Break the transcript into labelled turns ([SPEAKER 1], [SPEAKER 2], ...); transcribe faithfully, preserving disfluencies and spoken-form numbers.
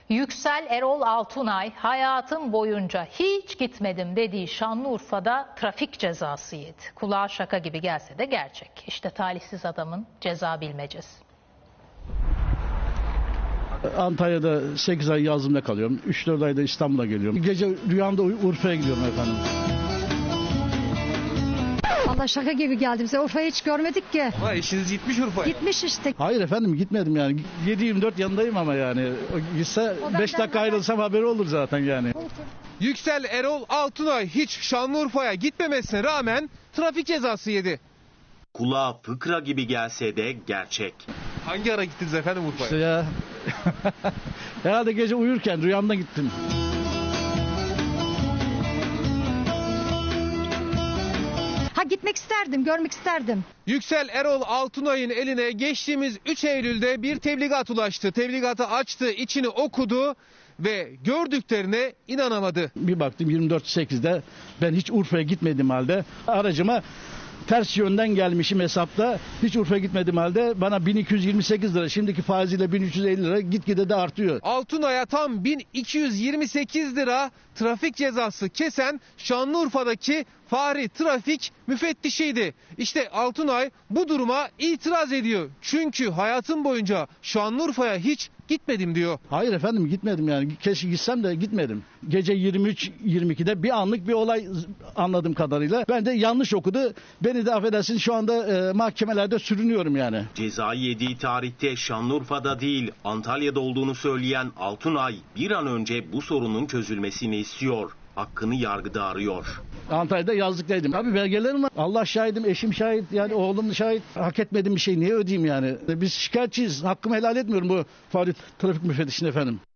[SPEAKER 1] Yüksel Erol Altunay hayatım boyunca hiç gitmedim dediği Şanlıurfa'da trafik cezası yedi. Kulağa şaka gibi gelse de gerçek. İşte talihsiz adamın ceza bilmecesi.
[SPEAKER 2] Antalya'da sekiz ay yazımda kalıyorum. üç dört ayda İstanbul'a geliyorum. Gece rüyamda Urfa'ya gidiyorum efendim.
[SPEAKER 3] Valla şaka gibi geldi bize. Urfa'yı hiç görmedik ki.
[SPEAKER 4] Ama eşiniz gitmiş Urfa'ya.
[SPEAKER 3] Gitmiş işte.
[SPEAKER 2] Hayır efendim gitmedim yani. yedi yirmi dört yanındayım ama yani. O gitse beş dakika ayrılsam haberi olur zaten yani.
[SPEAKER 4] Yüksel Erol Altunay hiç Şanlıurfa'ya gitmemesine rağmen trafik cezası yedi.
[SPEAKER 5] Kulağa fıkra gibi gelse de gerçek.
[SPEAKER 4] Hangi ara gittiniz efendim Urfa'ya?
[SPEAKER 2] İşte ya. Herhalde gece uyurken rüyamda gittim.
[SPEAKER 3] Ha gitmek isterdim, görmek isterdim.
[SPEAKER 4] Yüksel Erol Altunay'ın eline geçtiğimiz üç Eylül'de bir tebligat ulaştı. Tebligatı açtı, içini okudu ve gördüklerine inanamadı.
[SPEAKER 2] Bir baktım yirmi dört sekizde ben hiç Urfa'ya gitmediğim halde aracıma ters yönden gelmişim hesapta. Hiç Urfa'ya gitmediğim halde bana bin iki yüz yirmi sekiz lira, şimdiki faiziyle bin üç yüz elli lira gitgide de artıyor.
[SPEAKER 4] Altunay'a tam bin iki yüz yirmi sekiz lira trafik cezası kesen Şanlıurfa'daki Fahri Trafik müfettişiydi. İşte Altunay bu duruma itiraz ediyor. Çünkü hayatım boyunca Şanlıurfa'ya hiç gitmedim diyor.
[SPEAKER 2] Hayır efendim gitmedim yani. Keşke gitsem de gitmedim. Gece yirmi üç yirmi ikide bir anlık bir olay anladığım kadarıyla. Ben de yanlış okudu. Beni de affedersin şu anda e, mahkemelerde sürünüyorum yani.
[SPEAKER 5] Cezayı yediği tarihte Şanlıurfa'da değil Antalya'da olduğunu söyleyen Altunay bir an önce bu sorunun çözülmesini istiyor. Hakkını yargıda arıyor.
[SPEAKER 2] Antalya'da yazlıktaydım. Abi belgelerim var. Allah şahidim, eşim şahit, yani oğlum şahit. Hak etmediğim bir şey niye ödeyeyim yani? Biz şikayetçiyiz. Hakkımı helal etmiyorum bu Fahri Trafik müfettişine efendim.